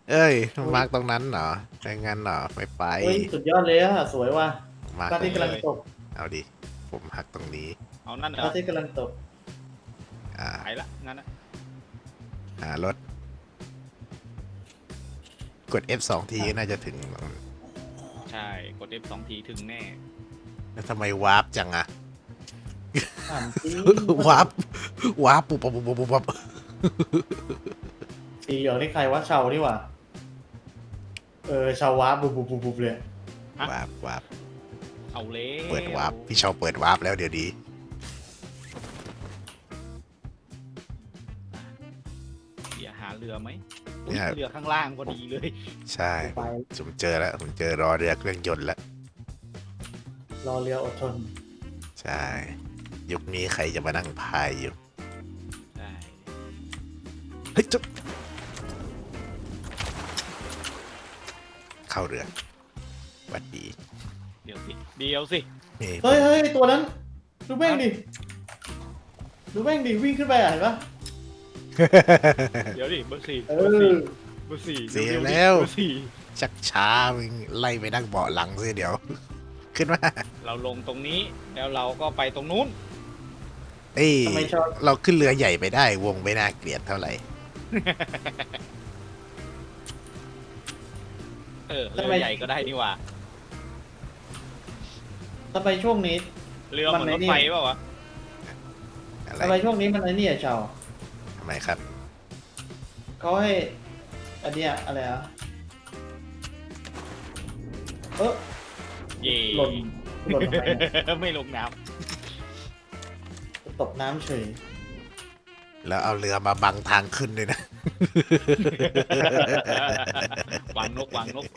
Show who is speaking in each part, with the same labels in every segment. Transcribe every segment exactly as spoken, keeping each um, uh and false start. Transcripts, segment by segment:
Speaker 1: เอ้ยมาร์กตรงนั้นเหรอไปงั้นเหรอไปไป
Speaker 2: เฮ้ยสุดยอดเลยอะสวยว่ะ
Speaker 1: มาร์ก
Speaker 2: พระอาทิตย์กำลังตก
Speaker 1: เอาดิผมหักตรงนี้
Speaker 3: เอานั่นเหรอ
Speaker 2: พระอาทิตย์กำลังตก
Speaker 1: อ่า
Speaker 3: ไปละงั้นนะ
Speaker 1: หารถกด F สองทีน่าจะถึง
Speaker 3: ใช่กด F สองทีถึงแน่
Speaker 1: แล้วทำไมวาร์ปจังอะ
Speaker 2: ถามจริง
Speaker 1: วาร์ปวาร์ปปุ๊บปุ๊บปุ๊บปุ๊บปุ๊บ
Speaker 2: สีเหลืองนี่ใครวะเชานี่หว่าเออเชาวาบุบบุบบุบบุบเลย
Speaker 1: วาร์ปวาร์ป
Speaker 3: เอาเลย
Speaker 1: เปิดวาร์ปพี่ชาวเปิดวาร์ปแล้วเดี๋ยวดี
Speaker 3: เดี๋ยวหาเรือไหมอุ๊ย
Speaker 1: เนี่ย
Speaker 3: เรือข้างล่างพอดีเลย
Speaker 1: ใช่
Speaker 2: ไป
Speaker 1: ผมเจอแล้วผมเจอรอเรือเครื่องยนต์แล้ว
Speaker 2: รอเรืออดทน
Speaker 1: ใช่ยุคนี้ใครจะมานั่งพายอยู่
Speaker 3: ใช่
Speaker 1: เฮ้ยจุ๊บเข้าเรือหวัดดี
Speaker 3: เดี๋ยวสิเดี๋ยวสิ
Speaker 1: นี่
Speaker 2: เฮ้ยเฮ้ยตัวนั้นดูแม่งดิดูแม่งดิวิ่งขึ้นไปอ่ะเห็นปะ
Speaker 3: เดี๋ยวดิเบอร์สี่
Speaker 2: เอ
Speaker 3: เบอร์สี่
Speaker 2: อ
Speaker 3: เบอร์สี่
Speaker 1: เสีย
Speaker 3: ร็ๆดิ
Speaker 1: แล้ว
Speaker 3: เบอร์สี่
Speaker 1: ชักช้ามึงไล่ไปนั่งเบาะหลังสิเดี๋ยว ขึ้นมา
Speaker 3: เราลงตรงนี้แล้วเราก็ไปตรงนู้น
Speaker 1: เอ้ย
Speaker 2: ทำไมชอบ
Speaker 1: เราขึ้นเรือใหญ่ไปได้วงไม่น่าเกลียดเท่าไหร่
Speaker 3: เออเรือใหญ่ก็ได้นี่หว่า
Speaker 2: ทำไมช่วงนี้
Speaker 3: เรือเหมือนรถไฟเปล่าวะ
Speaker 1: อะไร
Speaker 2: ทำไมช่วงนี้มันไอ้นี่อ่ะเชา
Speaker 1: ทำไมครับ
Speaker 2: เขาให้อันเนี้ยอะไรอ่ะเออ
Speaker 3: เย่
Speaker 2: หล่นหล่นลงไปเนี่ย
Speaker 3: ไม่ลงน้
Speaker 2: ตกน้ำเฉย
Speaker 1: แล้วเอาเรือมาบังทางขึ้นด้วยนะ
Speaker 3: ำวางนกวางนก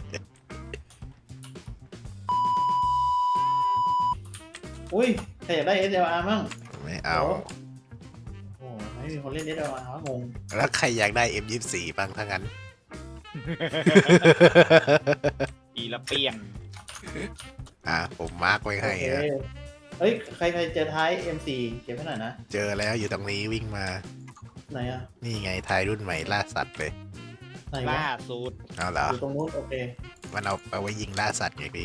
Speaker 2: อุ้ยใครอยากได้ เอส แอล อาร์ มั่ง
Speaker 1: ไม่เอา
Speaker 2: โอ้โหไม่มีคนเล่น เอส แอล อาร์ วะงง
Speaker 1: แล้วใครอยากได้ เอ็ม ยี่สิบสี่ บ้างทั้งนั้น
Speaker 3: อีละเปียง
Speaker 1: อ่ะผมมาร์กไว้ให้
Speaker 2: โอเค
Speaker 1: นะ
Speaker 2: เฮ้ย ใครใครเจอท้าย เอ็ม โฟร์ เก็บไว้หน่อยนะ
Speaker 1: เจอแล้วอยู่ตรงนี้วิ่งมา
Speaker 2: ไหนอ่ะ
Speaker 1: นี่ไงทายรุ่นใหม่ล่าสัตว์เลย
Speaker 2: ไหนวะ
Speaker 3: ล่าสุด
Speaker 1: เอาเหรอ
Speaker 2: อยู่ตรงนู้น โอเค
Speaker 1: มันเอาเอาไว้ยิงล่าสัตว์ไงพี่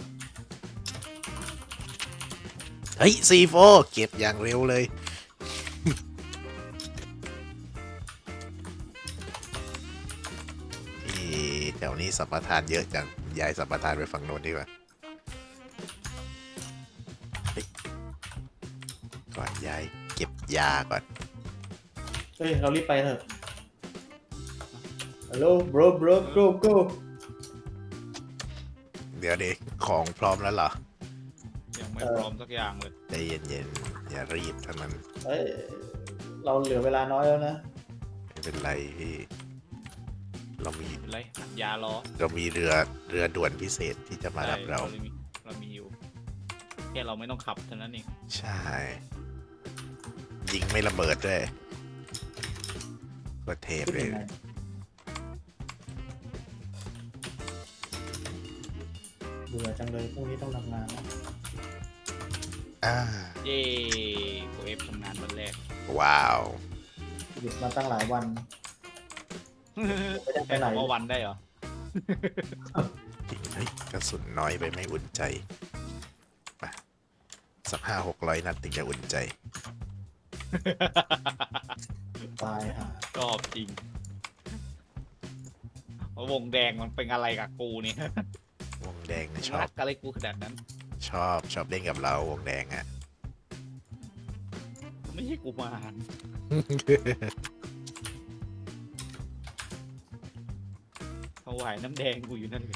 Speaker 1: เฮ้ย ซี โฟร์ เก็บอย่างเร็วเลย ที่แถวนี้สัมปทานเยอะจังย้ายสัมปทานไปฝั่งโน้นดีกว่าเฮ้ยก่อนย้ายเก็บยาก่อน
Speaker 2: เฮ้ย เรารีบไปเถอะ ฮัลโหล bro bro go go
Speaker 1: เดี๋ยวเด็กของพร้อมแล้วเหรอ
Speaker 3: ยังไม่
Speaker 2: เออ
Speaker 3: พร้อมสักอย่างเลย
Speaker 1: ใจเย็นๆ อย่ารีบเท่านั้น
Speaker 2: เฮ้ย เราเหลือเวลาน้อยแล้วนะ
Speaker 1: ไม่เป็นไรพี่ เรามี
Speaker 3: เป็นไรอัดยาล้อ
Speaker 1: เรามีเรือเรือด่วนพิเศษที่จะมารับเรา
Speaker 3: ใช่มีเรามีอยู่แค่เราไม่ต้องขับเท่านั้นเอง
Speaker 1: ใช่ ยิงไม่ระเบิดด้วยก็เทป
Speaker 2: คิด
Speaker 1: เลย
Speaker 2: ยังไงเบื่อจังเลยพรุ่งนี้ต้องทำงานนะ
Speaker 1: อ่า
Speaker 3: เย่โอเอฟทำงานวันแรก
Speaker 1: ว้าว
Speaker 2: หยุดมาตั้งหลายวัน ไม่ได้ไปไหน
Speaker 3: แค่คำว่าวันได้เหรอ
Speaker 1: เฮ้ยกระสุนน้อยไปไม่อุ่นใจมาสักห้าหกร้อยนัดถึงจะอุ่นใจ
Speaker 2: ตายห่า
Speaker 3: ชอบจริงวงแดงมันเป็นอะไรกับกูเนี่ย
Speaker 1: วงแดงนะชอ
Speaker 3: รับ กอะไรกูขนาดนั้น
Speaker 1: ชอบชอบเล่นกับเราวงแดงอ่ะ
Speaker 3: ไม่ใช่กูมารเขาไหวน้ำแดงกูอยู่นั่นเลย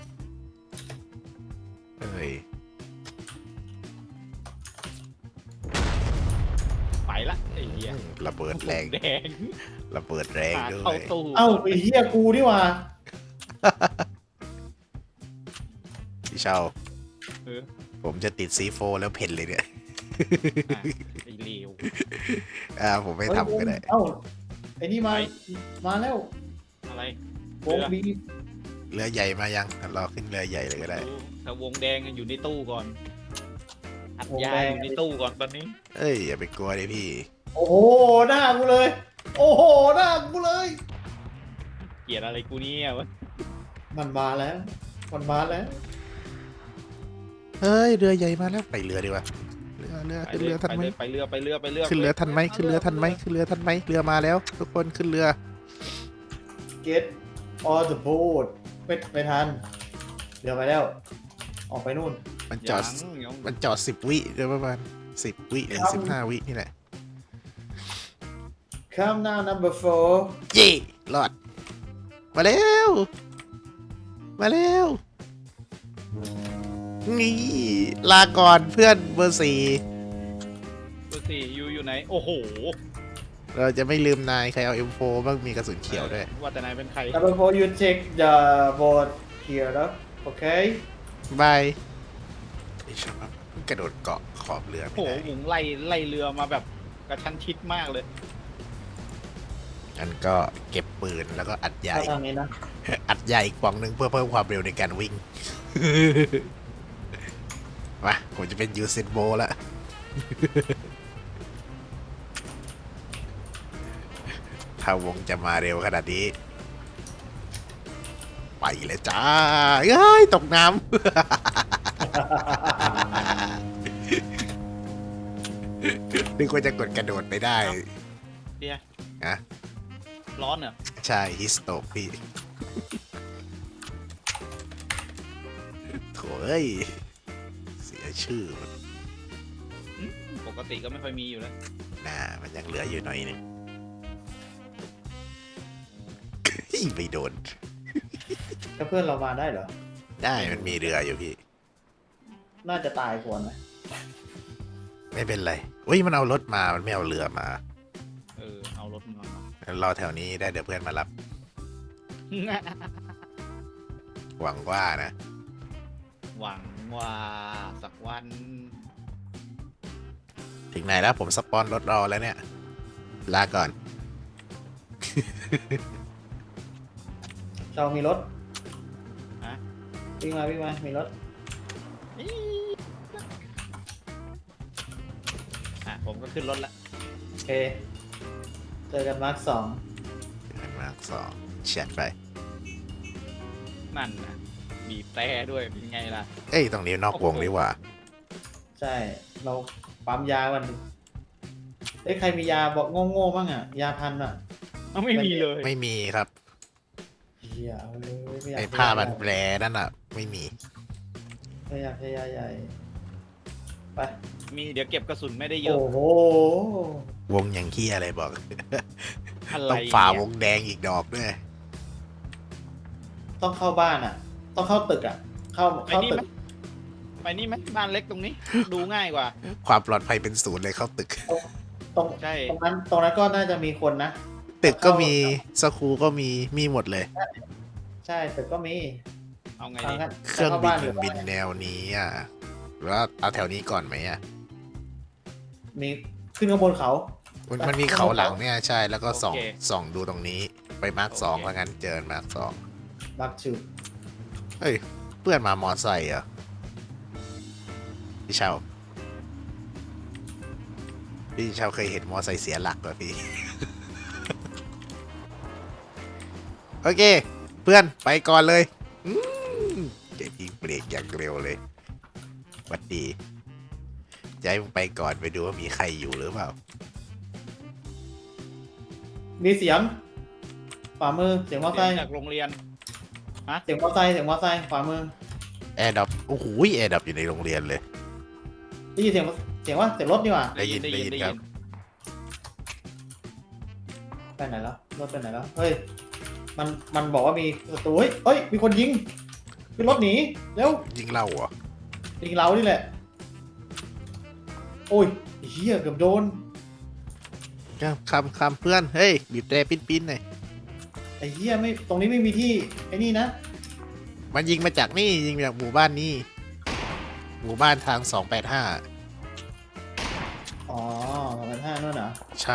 Speaker 1: เอ้ย
Speaker 3: ไปละไอ้เหี้ย
Speaker 1: ระเบิดแรง
Speaker 3: วแดง
Speaker 1: ระเบิดแรง
Speaker 3: หา
Speaker 1: ด้ว
Speaker 3: เข้าย ตู้
Speaker 2: เอ้าไอ้เหี้ยกูนี่หว่า
Speaker 1: พี่เชา
Speaker 3: เออ
Speaker 1: ผมจะติดซีโฟแล้วเพ่นเลยเนี่ย
Speaker 3: อ่ะไอ้เลว
Speaker 1: อ่าผมไม่ทำก็ได้
Speaker 2: เอ้าไอ้นี่มา
Speaker 3: ไป
Speaker 2: มาแล้ว
Speaker 3: อะไร
Speaker 2: วงบี
Speaker 1: เรือใหญ่มายังรอขึ้นเรือใหญ่เลยก็ได้
Speaker 3: ดูแต่วงแดงอยู่ในตู้ก่อน อัดยาอยู่ในตู้ก่อนตอนนี้
Speaker 1: เอ้ยอย่าไปกลัวดิพี่
Speaker 2: โอ้โหหน้ากูเลย โอ้โหหน้ากูเลย
Speaker 3: เกลียดอะไรกูเนี่ยวะ
Speaker 2: มันมาแล้ว มันมาแล้ว
Speaker 1: เฮ้ยเรือใหญ่มาแล้วไปเรือดีกว่าเรือเรือ
Speaker 3: ไป
Speaker 1: ขึ้น
Speaker 3: เล
Speaker 1: เรื
Speaker 3: ย
Speaker 1: อทัน
Speaker 3: ไป
Speaker 1: ไหม
Speaker 3: เลยไปเรือไปเรือไปเรือ
Speaker 1: ขึ้นเรือทันไหมขึ้นเรือทันไหมขึ้นเรือทันไหมเรือมาแล้ว ทุกคนขึ้นเรือ
Speaker 2: get on the boat ไม่ไม่ทันเรือไปแล้ว ออกไปนู่น
Speaker 1: มันจอด
Speaker 3: ยังยัง
Speaker 1: มันจอดสิบวิเดี๋ยวประมาณสิบวิถึง
Speaker 2: ครับ
Speaker 1: สิบห้าวินี่แหละ
Speaker 2: come now number four
Speaker 1: เย่รอด มาเร็ว มาเร็ว นี่ลาก่อนเพื่อนเบอร์สี่
Speaker 3: ตัวสี่อยู่อยู่ไหน โอ้โห
Speaker 1: เราจะไม่ลืมนายใครเอา เอ็ม โฟร์ บ้างมีกระสุนเขียวด้วย
Speaker 3: ว่าแต่นายเป็นใคร
Speaker 2: number four you take the boat here แล้ว okay
Speaker 1: บายไอ้ชอบกระโดดเกาะขอบเรือ
Speaker 3: โอ้
Speaker 1: ไม่
Speaker 3: โห
Speaker 1: ได้
Speaker 3: หุงไล่ไล่เรือมาแบบกระชั้นชิดมากเลย
Speaker 1: งั้นก็เก็บปืนแล้วก็อัดใหญ่
Speaker 2: เข้าทางนี้นะ
Speaker 1: อัดใหญ่อีกปล่องหนึ่งเพื่อเพิ่มความเร็วในการวิ่ง มาผมจะเป็นยูเซนโบแล้ว ถ้าวงจะมาเร็วขนาดนี้ ไปเลยจ้าเอ้ย ตกน้ำ นึกว่าจะกดกระโดดไปได้
Speaker 3: เดีย
Speaker 1: นะ
Speaker 3: ร้อนเหรอ
Speaker 1: ใช่ฮิสโตกพี่ โถ่เอ้ย เสียชื่อมัน
Speaker 3: ปกติก็ไม่ค่อยมีอยู่แล้ว
Speaker 1: น่ามันยังเหลืออยู่หน่อยหนึง ไม่โดน
Speaker 2: ถ้าเพื่อนเรามาได้เหรอ
Speaker 1: ได้มันมีเรืออยู่พี่
Speaker 2: น่าจะตายก่อนนะ
Speaker 1: ไม่เป็นไรอุ้ยมันเอารถมา มันไม่เอาเรือมา
Speaker 3: เออ เอารถมา
Speaker 1: รอแถวนี้ได้เดี๋ยวเพื่อนมารับ หวังว่านะ
Speaker 3: หวังว่าสักวัน
Speaker 1: ถึงไหนแล้วผมสปอนรถรอแล้วเนี่ย ลาก่อน
Speaker 2: เรามีรถ
Speaker 3: ฮะ
Speaker 2: วิ่งมาวิ่งมา มีรถ
Speaker 3: อ่ะผมก็ขึ้นรถละ
Speaker 2: โอเค เจอกันมาร์คสอง
Speaker 1: มาสองแชทไป
Speaker 3: นั่นนะบีบแต่ด้วยเป็นไงล่ะ
Speaker 1: เอ้ย ตรงนี้นอกวงดีกว่า
Speaker 2: ใช่ เราปั๊มยาวันหนึ่งเอ้ยใครมียาบอกโง่ๆบ้างอ่ะ ยาพันอ่ะ
Speaker 3: เอาไม่มีเลย
Speaker 1: ไม่มีครับ
Speaker 2: เฮียเอาเลยไม่อยาก
Speaker 1: ไอ้ผ้าบันแผลนั่นอ่ะ ไม่มี
Speaker 2: ไม่อยากใช้ยาใหญ่ ไป
Speaker 3: มีเดี๋ยวเก็บกระสุนไม่ได้เยอะ
Speaker 2: โอ้โห
Speaker 1: วงอย่างขี้อะไรบอก
Speaker 3: อะไร
Speaker 1: ต้องฝ่า
Speaker 3: เนี่ยว
Speaker 1: งแดงอีกดอกด้วย
Speaker 2: ต้องเข้าบ้านอ่ะ ต้องเข้าตึกอ่ะ เข้า
Speaker 3: ไป
Speaker 2: เข้า
Speaker 3: นี่
Speaker 2: ตึ
Speaker 3: ไหม
Speaker 2: ก
Speaker 3: ไปนี่ไหมบ้านเล็กตรงนี้ ดูง่ายกว่า
Speaker 1: ความปลอดภัยเป็นศูนย์เลยเข้าตึก
Speaker 2: ตรง
Speaker 3: ใช่
Speaker 2: ตรงนั้นตรงนั้นก็น่าจะมีคนนะ
Speaker 1: ตึกก็มีสคูก็มี มีหมดเลย
Speaker 2: ใช่ตึกก็มี
Speaker 3: เอาไง
Speaker 2: ทาง
Speaker 3: ดี
Speaker 2: นั้น
Speaker 1: เครื่อง
Speaker 2: เข้า
Speaker 1: บิ
Speaker 2: บ้าน นหรือ
Speaker 1: บินแนวนี้อ่ะหรือว่าเอาแถวนี้ก่อนไหมอ่ะ
Speaker 2: มีขึ้นข้างบนเขา
Speaker 1: มันมันมีเขาหลังเนี่ยใช่ แล้วก็ส่องส่องดูตรงนี้ ไปมาร์คสองแล้วงั้นเจอมาร์คสอง
Speaker 2: บักชู
Speaker 1: เฮ้ย เพื่อนมามอไซค์เหรอพี่เชาพี่เชาเคยเห็นมอไซค์เสียหลักเหรอพี่ โอเค เพื่อนไปก่อนเลยอืมเจ๊ยิงเบรกอย่างเร็วเลยหวัดดีจะให้มึงไปก่อนไปดูว่ามีใครอยู่หรือเปล่า
Speaker 2: มีเสียงขวามือเสียงมอเตอร์ไซ
Speaker 3: เสียง
Speaker 2: ค์
Speaker 3: จากโรงเรียน
Speaker 2: เสียงมอเตอร์ไซค์เสียงมอเตอร์ไซค์ขวามือ
Speaker 1: แอร์ดับโอ้โหแอร์ดับอยู่ในโรงเรียนเลย
Speaker 2: ได้ยินเสียงเสียงว่าเสียงรถนี่หว่า
Speaker 1: ได้ยินได้ยินครับ
Speaker 2: ไปไหนแล้วรถไปไหนแล้วเฮ้ยมันมันบอกว่ามีประตูเฮ้ยเฮ้ยมีคนยิงขึ้นรถหนีเร็ว
Speaker 1: ยิงเล่าเหรอ
Speaker 2: ยิงเรานี่แหละโอ้ยไอ้เฮียเกือบโดน
Speaker 1: ครับคำคำเพื่อน เฮ้ย บีบแตรปิ้นปิ้นหน่อย
Speaker 2: ไอ้เฮียไม่ตรงนี้ไม่มีที่ไอ้นี่นะ
Speaker 1: มันยิงมาจากนี่ ยิงมาจากหมู่บ้านนี่ หมู่บ้านทางสองแปดห้า
Speaker 2: อ๋อสองพันห้านั่นเหรอ
Speaker 1: ใช่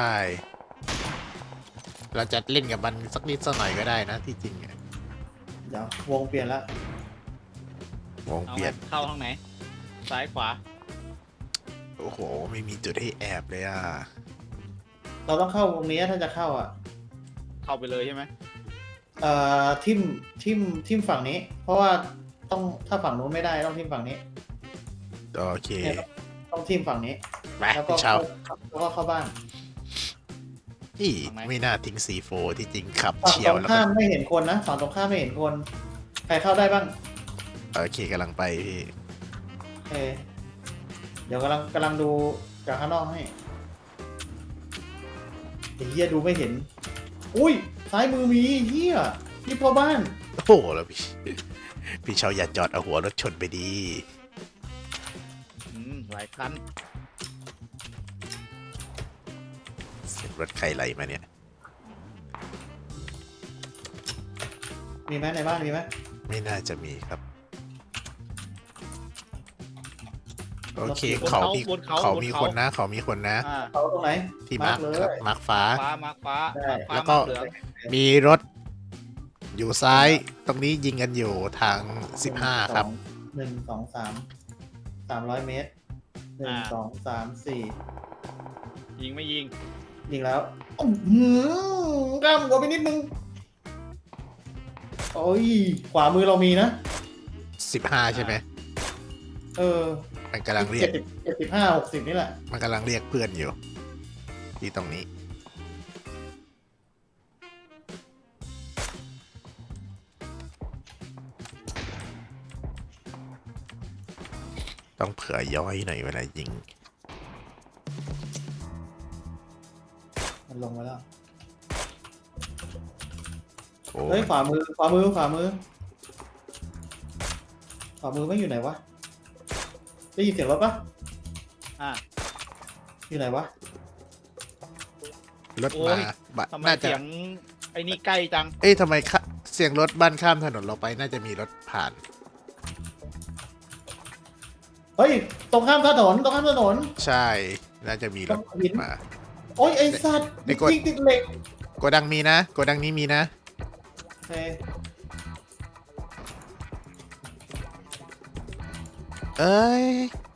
Speaker 1: เราจะเล่นกับมันสักนิดสักหน่อยก็ได้นะที่จริงอะ
Speaker 2: เดี๋ยววงเปลี่ยนแล้ว
Speaker 1: วง
Speaker 3: เอา
Speaker 1: เปลี่
Speaker 3: ไง
Speaker 1: ยน
Speaker 3: เข้าทางไหน ซ้ายขวา
Speaker 1: โอ้โห ไม่มีจุดให้แอบเลยอ่ะ
Speaker 2: เราต้องเข้าวงนี้ถ้าจะเข้าอ่ะ
Speaker 3: เข้าไปเลยใช่ไหม
Speaker 2: เอ่อทิมทิมทิมฝั่งนี้ เพราะว่าต้องถ้าฝั่งนู้นไม่ได้ต้องทิมฝั่งนี้
Speaker 1: โอเค
Speaker 2: เนี่ยต้องทิมฝั่งนี้
Speaker 1: ไป
Speaker 2: แล้วก็
Speaker 1: พี่เชา
Speaker 2: แล้วก็เข้าบ้าน
Speaker 1: ที่ไม่น่าทิ้งซีโฟที่จริงขับ
Speaker 2: ฝั่ง
Speaker 1: เฉี
Speaker 2: ต
Speaker 1: ย
Speaker 2: ร
Speaker 1: ว
Speaker 2: ง
Speaker 1: แล้ว
Speaker 2: ข้า
Speaker 1: ก็
Speaker 2: มไม่เห็นคนนะฝั่งตรงข้ามไม่เห็นคน ใครเข้าได้บ้าง
Speaker 1: โอเคกำลังไปพี่
Speaker 2: เออเดี๋ยวกำลังกำลังดูจากข้างนอกให้ไอ้เฮียดูไม่เห็น อุ้ยซ้ายมือมีเฮียนี่พ่อบ้าน
Speaker 1: โอ้โหแล้วพี่ พี่เชาอย่าจอดเอาหัวรถชนไปดี
Speaker 3: อืมหลายคัน
Speaker 1: เสียงรถใครไหลมาเนี่ย
Speaker 2: มีไหมในบ้านมีไหม
Speaker 1: ไม่น่าจะมีครับ โอเค
Speaker 3: บน
Speaker 1: เขา
Speaker 3: เขา
Speaker 1: มี
Speaker 3: บนเขา
Speaker 1: เขา
Speaker 3: บน
Speaker 1: มี
Speaker 3: เขา
Speaker 1: คนนะ เขามีคนนะ
Speaker 3: อ่า
Speaker 2: เขาตรงไหน
Speaker 1: ที่มาร์ค
Speaker 2: เลย
Speaker 1: ครับมาร์คฟ้า
Speaker 3: ฟ้ามาฟ้า
Speaker 2: ได้
Speaker 3: ฟ้า
Speaker 1: แล้วก็
Speaker 3: มาเหลือง
Speaker 1: มีรถอยู่ซ้ายตรงนี้ยิงกันอยู่ทางสิบห้าครับ
Speaker 2: หนึ่งสองสามสามร้อยเมตรหนึ่งสองสามสี่
Speaker 3: ยิงไม่ยิง
Speaker 2: ยิงแล้วอื้อหือกล้ามหัวไปนิดนึงโอ้ยขวามือเรามีนะ
Speaker 1: สิบห้าใช่ไหม
Speaker 2: เออ
Speaker 1: มันกำลังเรีย
Speaker 2: เจ็
Speaker 1: ก
Speaker 2: ดสิบเจ็ดสิบห้าหกสิบนี่แหละ
Speaker 1: มันกำลังเรียกเพื่อนอยู่ ที่ตรงนี้ ต้องเผื่อย้อยหน่อยเวลายิง
Speaker 2: มันลงมาแล้ว
Speaker 1: โอ้
Speaker 2: เฮ้ยขวามือขวามือขวามือขวามือไม่อยู่ไหนวะได้ยินเสียงรถปะ
Speaker 3: อ่า
Speaker 2: อยู่ไหนวะ
Speaker 1: รถ
Speaker 3: โอ้
Speaker 1: มาย บะ
Speaker 3: ทำไม
Speaker 1: น่าจะ
Speaker 3: เสียงไอ้นี่ใกล้จัง
Speaker 1: เอ้ยทำไมคะเสียงรถบ้านข้ามถนนเราไปน่าจะมีรถผ่าน
Speaker 2: เฮ้ยตรงข้ามถนนตรงข้ามถนน
Speaker 1: ใช่ น่าจะมีรถ
Speaker 2: ต้องหิน
Speaker 1: มา
Speaker 2: โอ้ยไอ้สัตว์
Speaker 1: ไอ้กด
Speaker 2: ยิงติดเหล็ก
Speaker 1: โกดังมีนะ โกดังนี้มีนะ
Speaker 2: เฮ้ย
Speaker 1: เอ้ย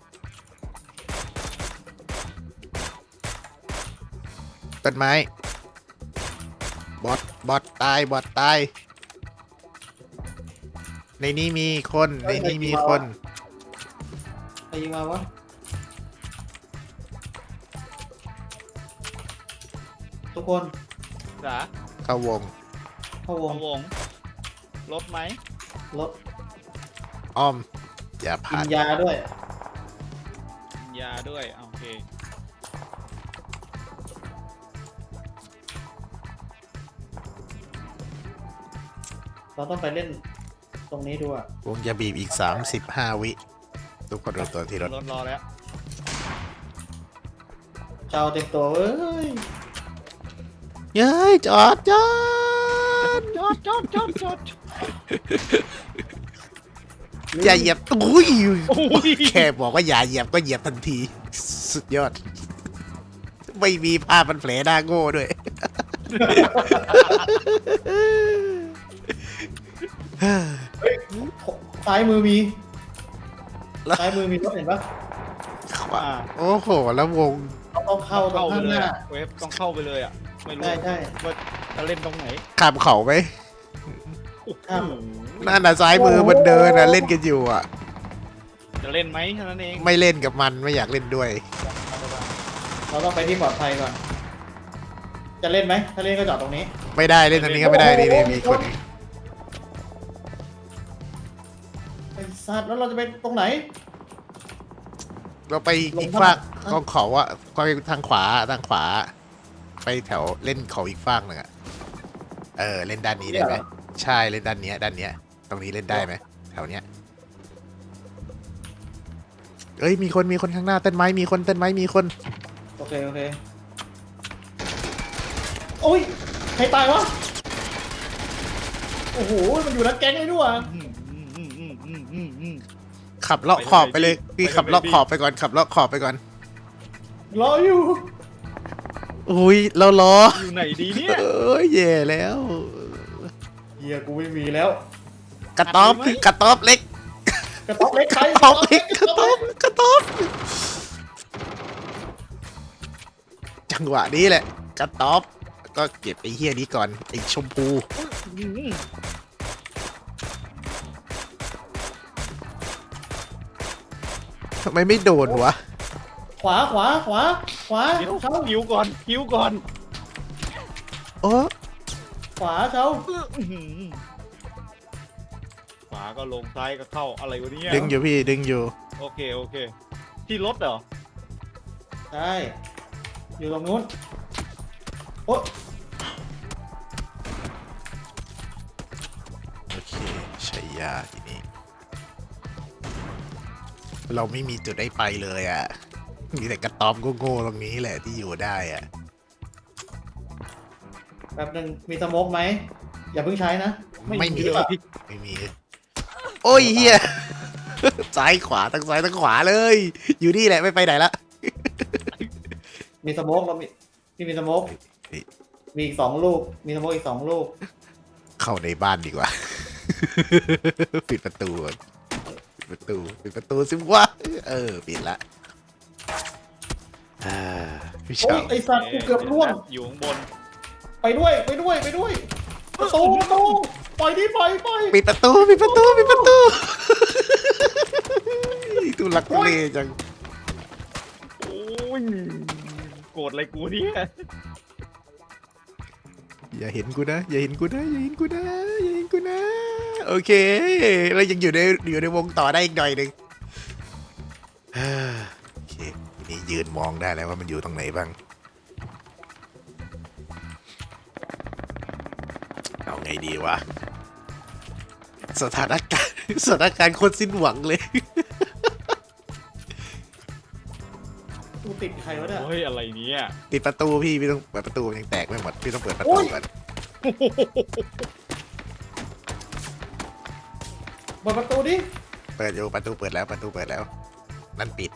Speaker 1: ต้นไม้ บอทบอทตาย บอทตาย ในนี้มีคน ในนี้มีคน
Speaker 2: ใครยิงมาวะทุกคน
Speaker 3: จ๋า
Speaker 1: เข้าวง
Speaker 2: เข้าว
Speaker 3: ว
Speaker 2: ง
Speaker 3: งวงรถไหม
Speaker 2: รถ
Speaker 1: อ้อม อย่า
Speaker 2: กิ
Speaker 1: ผ่าน น
Speaker 2: ยาด้วย
Speaker 3: ยาด้วยอ่ะโอเค
Speaker 2: เราต้องไปเล่นตรงนี้ดูอะ
Speaker 1: วงจะบีบอีกสามสิบห้าวิ ทุกคนดูตัวที่รถ
Speaker 3: รถรอแล้ว
Speaker 2: เจ้าเต็มตัวเอ้ย
Speaker 1: เย้ยจอดจอด
Speaker 3: จอดจอดจอดจอด
Speaker 1: อย่าเหยียบอุ้ย
Speaker 3: โอ้ย
Speaker 1: แค่บอกว่าอย่าเหยียบก็เหยียบทันที สุดยอด ไม่มีผ้าพันแผลหน้าโง่ด้วย
Speaker 2: ซ้ายมือมี
Speaker 1: แล้ว
Speaker 2: ซ้ายมือมีรถเห็นปะ
Speaker 1: ขวาโอ้โห แล้ววง
Speaker 2: เราต้องเข้าตร
Speaker 3: เข้าง ไป
Speaker 2: ข้าง
Speaker 3: เล
Speaker 2: ห
Speaker 3: ย
Speaker 2: น้า
Speaker 3: อะเวฟต้องเข้าไปเลยอ่ะไม่รู้
Speaker 2: ใช่ใช่
Speaker 3: ว่าจะเล่นตรงไหน
Speaker 1: ข้ามเขาไหม
Speaker 2: ข้าม
Speaker 1: นั่นน่ะซ้ายมือมันเดินน่ะเล่นกันอยู่อ่ะ
Speaker 3: จะเล่นไหมเท่านั้นเอง
Speaker 1: ไม่เล่นกับมันไม่อยากเล่นด้วย
Speaker 2: เราต้องไปที่ปลอดภัยก่อน จะเล่นไหมถ้าเล่นก็จอดตรงนี้
Speaker 1: ไม่ได้เล่นทางนี้ก็ไม่ได้นี่นี่มีคนอีก
Speaker 2: ไอ้สัตว์แล้วเราจะไปตรงไหน
Speaker 1: เราไปอีกฝากกองเขาอะก็ไปทางขวาทางขวา ไปแถวเล่นเขาอีกฝากหนึ่งอะเออเล่นด้านนี้ได้ไหมใช่เล่นด้านเนี้ยด้านเนี้ย ตรงนี้เล่นได้ไหมแถวเนี้ยเอ้ยมีคนมีคนข้างหน้าต้นไม้มีคนต้นไม้มีคน
Speaker 2: โอเคโอเคโอ้ยใครตายวะโอ้โหมันอยู่นักแก๊งเลยด้วย
Speaker 3: อืมอืมอืมอืมอืมอืมอืม
Speaker 1: ขับเลาะขอบไปเลยพี่ขับเลาะขอบไปก่อนขับเลาะขอบไปก่อน
Speaker 2: รออยู่
Speaker 1: อุ้ยเราล้อ
Speaker 3: อยู่ไหนดีเนี่ย
Speaker 1: เอ้ยแย่แล้ว
Speaker 2: เฮียกูไม่มีแล้ว
Speaker 1: กระต๊อบกระต๊อบเล็ก
Speaker 2: กระต๊อบเล็ก
Speaker 1: ก
Speaker 2: ใคร
Speaker 1: ระต๊อบเล็กกระต๊อบกระต๊อบจังหวะนี้แหละกระต๊อบก็เก็บไอ้เฮียนี้ก่อนไอ้ชมพู
Speaker 3: อื้อหือ
Speaker 1: ทำไมไม่โดนวะ
Speaker 2: ขวาขวาขวาขวา
Speaker 3: เดี๋ยว
Speaker 2: เช้า
Speaker 3: หิวก่อนหิวก่อน
Speaker 1: โอ้
Speaker 2: ขวาเช้า
Speaker 3: อื้อหือขวาก็ลงซ้ายก็เข้าอะไรวะเนี่ย
Speaker 1: ดึงอยู่พี่ดึงอยู่
Speaker 3: โอเคโอเค ที่รถเหรอ
Speaker 2: ใช่อยู่ตรงนู้นโอ้
Speaker 1: โอเคใช้ยาทีนี้ เราไม่มีจุดได้ไปเลยอ่ะ มีแต่กระต๊อบโง่ๆตรงนี้แหละที่อยู่ได้อ่ะ
Speaker 2: แป๊บหนึงมีสโมกไหมอย่าเพิ่งใช้นะ
Speaker 1: ไม่มี
Speaker 2: หรือเปล่า
Speaker 1: ไม่มี โอ้ยเฮีย ซ้ายขวาทั้งซ้ายทั้งขวาเลย อยู่นี่แหละไม่ไปไหนละ
Speaker 2: มีสโมกเรามีพี่มีสโมก
Speaker 1: เฮ้ย
Speaker 2: มีอีกสองลูกมีสโมกอีกสองลูก
Speaker 1: เข้าในบ้านดีกว่า ปิดประตูก่อนปิดประตูปิดประตูสิวะเออปิดละอ่าพี่
Speaker 2: โอ้
Speaker 1: ชาย ว
Speaker 2: ไอสัตว์กูเกือบร่วง
Speaker 3: อยู่ข้างบน
Speaker 2: ไปด้วยไปด้วยไปด้วยประตูประตูปล่อยดิปล่อยปล่อย
Speaker 1: ปิดประตูปิดประตูปิดประตู ตูลักทุเลจัง
Speaker 3: โอ้ยโกรธอะไรกูเนี่ย
Speaker 1: อย่าเห็นกูนะอย่าเห็นกูนะอย่าเห็นกูนะอย่าเห็นกูนะโอเคเรายังอยู่ในอยู่ในวงต่อได้อีกหน่อยหนึ่ง อ่าโอเคทีนี้ยืนมองได้แล้วว่ามันอยู่ตรงไหนบ้างเอาไงดีวะสถานการณ์ สถานการณ์คนสิ้นหวังเลย
Speaker 2: กูติดใครวะเนี่ย
Speaker 3: โอ้ยอะไรเนี่ย
Speaker 1: ติดประตูพี่พี่ต้องเปิดประตูมันยังแตกไม่หมดพี่ต้องเปิดประตูก่อน
Speaker 2: เปิดประตูดิ
Speaker 1: เปิดอยู่ประตูเปิดแล้วประตูเปิดแล้วนั่นปิด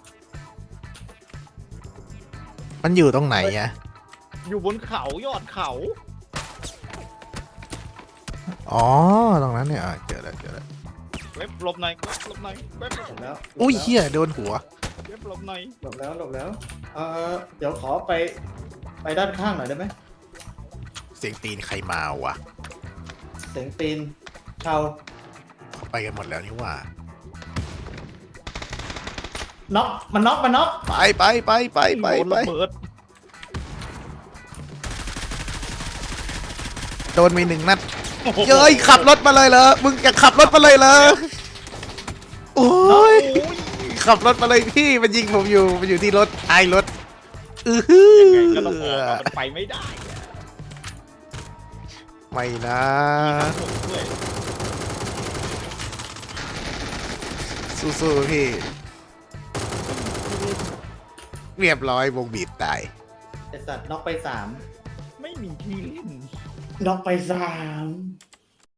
Speaker 1: มันอยู่ตรงไหนอะ
Speaker 3: อยู่บนเขายอดเขา
Speaker 1: อ๋อตรงนั้นเนี่ยอ่ะเจอแล้วเจอแล้ว
Speaker 3: เว็บหลบในอยเว็บหลบในอยเว็บ
Speaker 2: หลบแล้ว
Speaker 1: อุ้ย
Speaker 2: หลบ
Speaker 1: เฮียโดนหัว
Speaker 3: เว็บหลบในอย
Speaker 2: แล้วหลบแล้วหลบแล้วเออเดี๋ยวขอไปไปด้านข้างหน่อยได้ไหม
Speaker 1: เสียงตีนใครมาวะ
Speaker 2: เสียงตีนเชา
Speaker 1: ไปกันหมดแล้วนี่หว่า
Speaker 2: น็อกมันน็อกมันน็อก
Speaker 1: ไปไปไปไปไป
Speaker 3: โดน
Speaker 1: ไประ
Speaker 3: เบิด
Speaker 1: โดนไปหนึ่งนัดเย้ยขับรถมาเลยเหรอมึงจะขับรถมาเลยเหรอโอ้ยขับรถมาเลยพี่มันยิงผมอยู่มันอยู่ที่รถท้ายรถอือหือ
Speaker 3: ยังไงก็ต้องออกอะมันไปไม่ได้อะ
Speaker 1: ไม่นะ
Speaker 3: ผมด้วย
Speaker 1: สู้ๆพี่เรียบร้อยวงบีบตาย
Speaker 2: ไอสัตว์น็อกไปสาม
Speaker 3: ไม่มีที่เล่น
Speaker 2: น็อกไปสาม